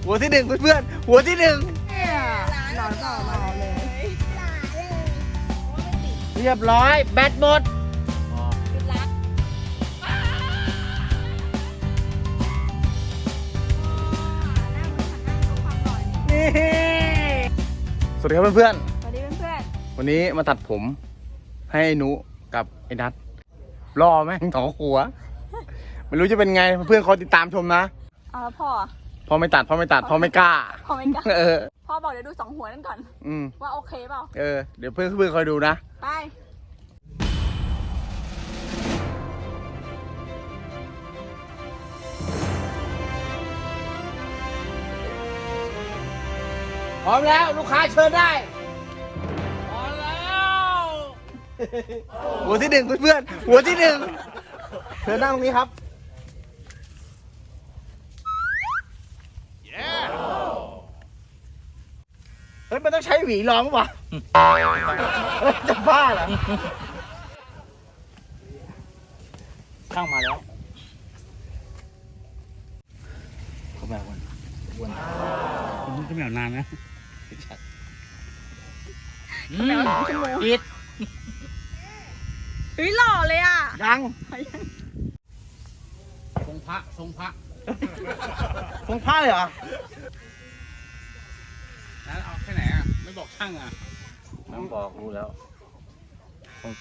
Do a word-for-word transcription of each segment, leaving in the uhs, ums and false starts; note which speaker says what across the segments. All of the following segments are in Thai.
Speaker 1: หัวที่หนึ่งเพื่อนๆหัวที่หนึ่ง
Speaker 2: หล่อหล่อหล่อเลย
Speaker 1: เรียบร้อยแบตหมดสวัสดีครับเพื่อนๆ
Speaker 2: สวัสดีเพื่อน
Speaker 1: วันนี้มาตัดผมให้ไอ้นุกับไอ้นัทรอแม่งถอหัวไม่รู้จะเป็นไงเพื่อนๆคอยติดตามชมนะ
Speaker 2: ๆเอาแล้วพ่อ
Speaker 1: พ่อไม่ตัดพ่อไม่ตัดพ่อไม่กล้า
Speaker 2: พ่อไม่กล้า
Speaker 1: เออ
Speaker 2: พ่อบอกเดี๋ยวดูสองหัวนั่นก่อน
Speaker 1: อืม
Speaker 2: ว่าโอเคเปล่า
Speaker 1: เออเดี๋ยวเพื่อนเพื่อนคอยดูนะ
Speaker 2: ไป
Speaker 1: พร้อมแล้วลูกค้าเชิญได้พร้อมแล้วหัวที่หนึ่งเพื่อนๆหัวที่หนึ่งเชิญนั่งตรงนี้ครับเฮ้ยมันต้องใช้หวีรองป่ะจะบ้าเหรอช่างมาแล้วเขาแบบวันวัน
Speaker 3: จะไม่เอานานนะ
Speaker 1: ปิด
Speaker 2: เฮ้ยหล่อเลยอ่ะ
Speaker 1: ยัง
Speaker 3: ทรงพระทรงพระ
Speaker 1: คงพลาดเลยเหรอ
Speaker 3: แล้วเอาแค่ไหนอ่ะ ไม่บอกช่างอ่ะ
Speaker 1: น้ำบอกรู้แล้วคงต่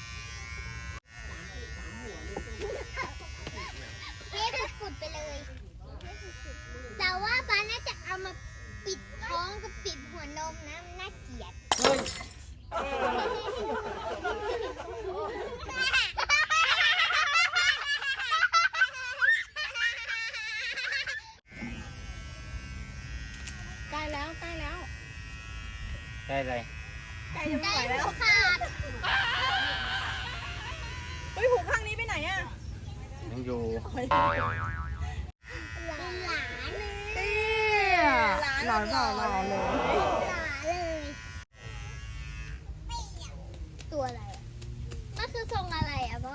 Speaker 4: เทสุดๆไปเลยแต่ว่าป้าน่าจะเอามาปิดท้องกับปิดหัวนมนะมันน่าเกลียดใกล้แล้วใกล้แล้ว
Speaker 1: ำได้เลย
Speaker 2: ใกล้จะไม่ไหวแล้ว
Speaker 4: ขาด
Speaker 2: เฮ้ยหูข้างนี้ไปไหนอ่ะ
Speaker 1: ยังอยู่
Speaker 4: หลาน
Speaker 2: หล่อหล่อหล่อเลย
Speaker 4: หลานเลยตัวอะไรอ่ะมันคือทรงอะไรอ่ะพ่อ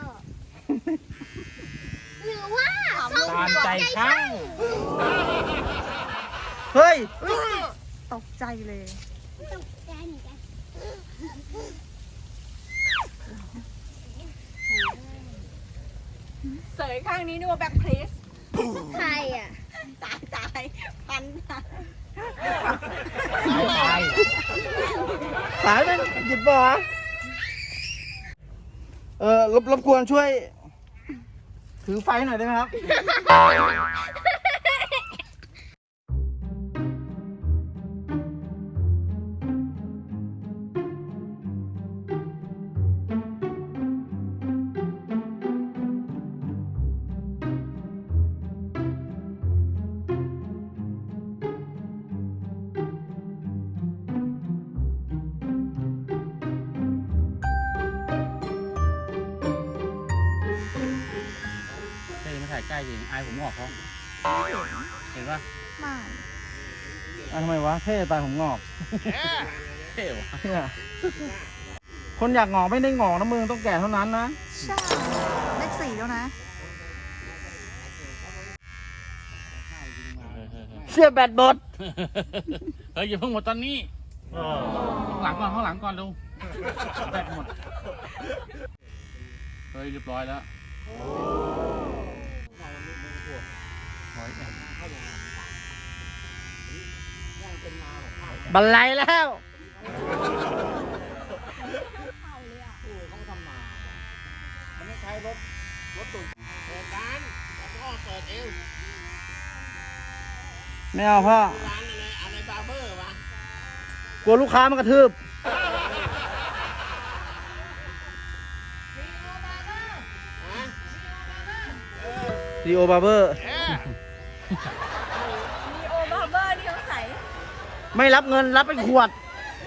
Speaker 4: หรือว่าทรง
Speaker 1: ตามใจ
Speaker 4: ช่า
Speaker 1: ช่าง งเฮ้ย
Speaker 2: ตกใจเลย
Speaker 4: ตกใจเหมือนกัน
Speaker 2: เสยข้างนี้นึกว่าแบ็คพลีส
Speaker 4: ใครอ่ะ
Speaker 2: ตายตายพันตาย
Speaker 1: ตายสายมันหยิบบ่อเออรบรบกวนช่วย ถือไฟหน่อยได้ไหมครับ
Speaker 3: เฮ้ยมาถ่ายใกล้จริงอายผมออกเขาเห็นปะ
Speaker 2: ไม่
Speaker 1: อ่ะทำไมวะเท่ตายผมงอก
Speaker 3: เท่วะ
Speaker 1: เนี่ยคนอยากงอกไม่ได้งอกนะมึงต้องแก่เท่านั้นนะ
Speaker 2: ใช่เลขสี่แล้วนะ
Speaker 1: เสื้อแบตบด
Speaker 3: เฮ้ยอย่าเพิ่งหมดตอนนี้ข้างหลังก่อนข้างหลังก่อนเร็วแบตหมด เฮ้ยเรียบร้อยแล้วร้อยแอบ
Speaker 1: บันไลแล้ว ไม่เอาพ่อ
Speaker 3: อะไรบาร์เบอร์วะ
Speaker 1: กลัวลูกค้ามากระทืบดีโอบาร์เบอร์
Speaker 2: มีโอบาร์เบอร์ที่เขาใส่
Speaker 1: ไม่รับเงินรับเป็นขวด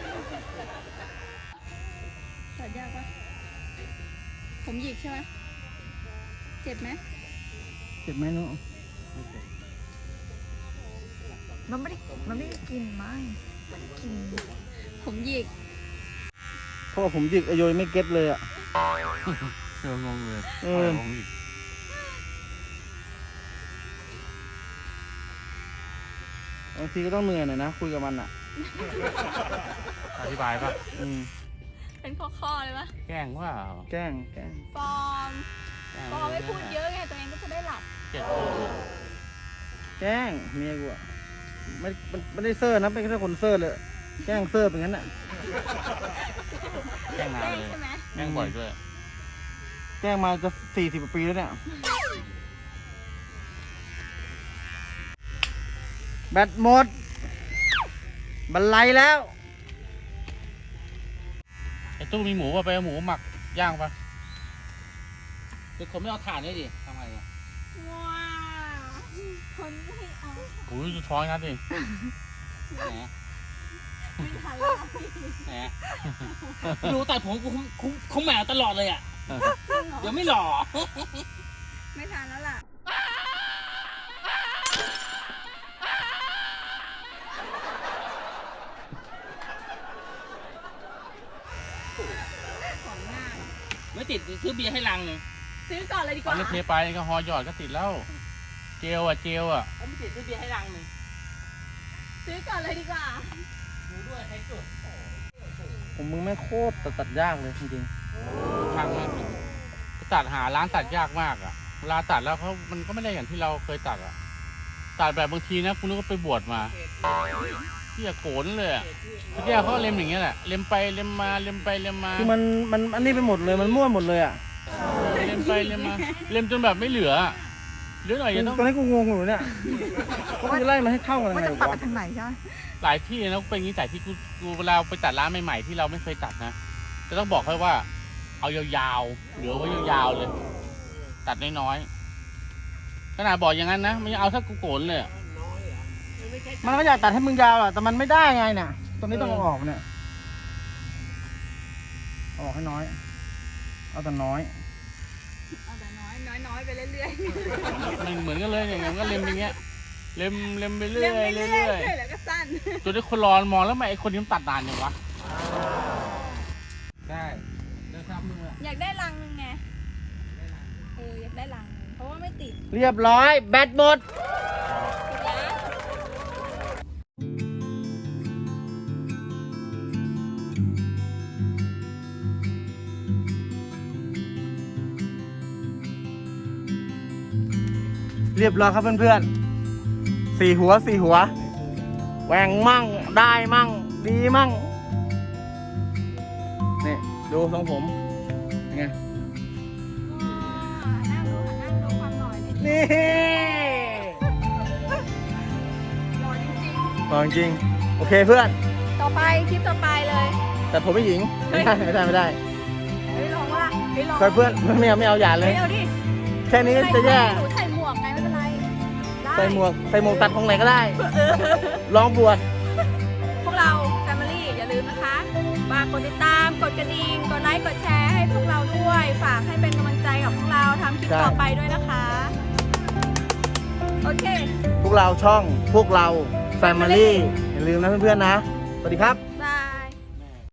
Speaker 2: ตัดยากปะผมหยิกใช่ไหมเจ็บไหม
Speaker 1: เจ็บไหมนุ๊ก
Speaker 2: มันไม่ได้มันไม่ได้กินมั้งมันกิน ผมหยิก
Speaker 1: เพราะว่าผมหยิกไอโยยไม่เก็ตเลยอ่ะ
Speaker 3: เอองงเลย
Speaker 1: เออ
Speaker 3: งงอีก
Speaker 1: เบางทีก็ต้องเหนื่อยหน่อยนะคุยกับมันอ่ะ
Speaker 3: อธิบายป่ะ
Speaker 1: อืม
Speaker 2: เป็นข้อๆเลยปะ
Speaker 3: แกล้งว่า
Speaker 1: แกล้งแกล้ง
Speaker 2: ฟอร์มฟอร์มไม่พูดเยอะไงตัวเองก็จะได้หลับ
Speaker 3: เจ็ด
Speaker 1: แกล้งเมียกูอ่ะไม่มันไม่ได้เซอร์นะเป็นแค่คนเซอร์เลยแกล้งเซอร์เป็นงั้นอ่ะ
Speaker 3: แกล้งนานเลย
Speaker 2: ใช่ไหม
Speaker 3: แกล้งบ่อยด้วย
Speaker 1: แกล้งมาจะสี่สิบปีแล้วเนี่ยแบตหมดบันไลแล้ว
Speaker 3: ไอ้ตู้มีหมูป่ะไปเอาหมูหมักย่างป่ะเดี๋ยวคนไม่เอาถ่านนี่ดิทำไงอ่ะ
Speaker 2: ว้าวคนไม่เอา
Speaker 3: โอ้ยดูท้องนัดดิแหม
Speaker 2: ไม่ทันแล้ว
Speaker 3: แหม
Speaker 5: ดูแต่ผมกูคุมคุมแมวตลอดเลยอ่ะ เดี๋ยวไม่หล่อ
Speaker 2: ไม่ทันแล้วล่ะของหน้า
Speaker 5: ไม่ติดซื้อเบียร์ให้ลังหนึ่ง
Speaker 2: ซื้อก่อนเลยดี
Speaker 3: ต
Speaker 2: ก
Speaker 3: อน
Speaker 2: ว่า
Speaker 3: นี้เทไปก็ฮอหยอดก็ติดแล้ว เจลอ่ะเจลอ่ะ
Speaker 5: เอาไม่ติดซื้อเบียร์ให้ลังหนึ่ง
Speaker 2: ซื้อก่อนเลยดีกว่า
Speaker 5: ดูด้วยใครจุด
Speaker 1: ผมมึงไม่งโคตรตัดตัดยากเลยจริง
Speaker 3: ช่างมากตัดหาร้านตัดยากมากอ่ะเวลาตัดแล้วเขามันก็ไม่ได้อย่างที่เราเคยตัดอ่ะตัดแบบบางทีนะคุณนึกว่าไปบวชมาที่จะโกนเลยอ่ะที่แกเขาเล็มอย่างเงี้ยแหละเล็มไปเล็มมาเล็มไปเล็มมา
Speaker 1: ๆคือมันมันอันนี้ไปหมดเลยมันมั่วหมดเลยอ่ะ
Speaker 3: เล็มไปเล็มมาเล็มจนแบบไม่เหลืออะเหลือหน่อยจะต้อง
Speaker 1: ตอนนี้กูงงอยู่เนี่ยว่าจะไล่มาให้เข้ากันยัง
Speaker 2: ว่า
Speaker 1: ไง
Speaker 2: จะตัด
Speaker 1: วะ
Speaker 2: ไปทางไหนใช่ไหม
Speaker 3: หลายที่นะเป็นอย่างนี้แต่ที่กูกูเวลาไปตัดร้านใหม่ๆที่เราไม่เคยตัดนะจะต้องบอกให้ว่า เอายาวๆเหลือไว้ยาวๆเลย ตัดน้อยๆขนาดบอกอย่างนั้นนะมันยังเอาถ้ากูโกนเลยอะ
Speaker 1: มันก็อยากตัดให้มึงยาวอ่ะแต่มันไม่ได้ไงเนี่ยตรงนี้ต้องเอาออกเนี่ยเอาออกให้น้อย เอาแต่น้อย
Speaker 2: เอาแต่น้อยน้อยน้อยไปเรื่อย
Speaker 3: มันเหมือนกันเลยอย่างเงี้ยมันก็เล็มอย่างเงี้ยเล็มเล็มไป
Speaker 2: ๆ
Speaker 3: เรื่อย
Speaker 2: ไป
Speaker 3: เรื่
Speaker 2: เรื่
Speaker 3: อย
Speaker 2: อยๆแล้วก็สั้น
Speaker 3: จนได้คนรอนมองแล้วทำไมไอ้คนนี้มันตัดนานจังวะ
Speaker 1: ได้เดินตามมือ
Speaker 2: อยากได้รังนึงไงเอออยากได้รังนึงเพราะว่าไม่ติด
Speaker 1: เรียบร้อยแบตหมด เรียบร้อยครับเพื่อนๆสี่หัวสี่หัวแหวงมั่งได้มั่งดีมั่งนี่ดูทรงผมยังไง
Speaker 2: นั่งดูค่ะนั่งดูความหน่อยเลย
Speaker 1: นี่
Speaker 2: หล่อจริง
Speaker 1: ตองจริงโอเคเพื่อน
Speaker 2: ๆต่อไปคลิปต่อไปเลย
Speaker 1: แต่ผมไม่หญิงไม่ได้ไม่ได้ไม่ได้
Speaker 2: เฮ้ยลองว่าเฮ้ยลอง
Speaker 1: เพื่อนเพื่อนไม่เอาไม่เอาอย่าเล
Speaker 2: เฮ้
Speaker 1: ย
Speaker 2: ยเอาดิ
Speaker 1: แค่นี้ก็จะแย่
Speaker 2: หนูใส่หมวกไงไม่เป็นไรได้
Speaker 1: ใส่หมวกใส่หมวกตัดของไหนก็ได้ลองบวช
Speaker 2: พวกเรา Family อย่าลืมนะคะฝากกดติดตามกดกระดิ่งกดไลค์กดแชร์ให้พวกเราด้วย ฝากให้เป็นกำลังใจกับพวกเราทำคลิปต่อไปด้วยนะคะ โอเค
Speaker 1: พวกเราช่องพวกเรา Family อย่าลืมนะเพื่อนๆนะ สวัสดีครับ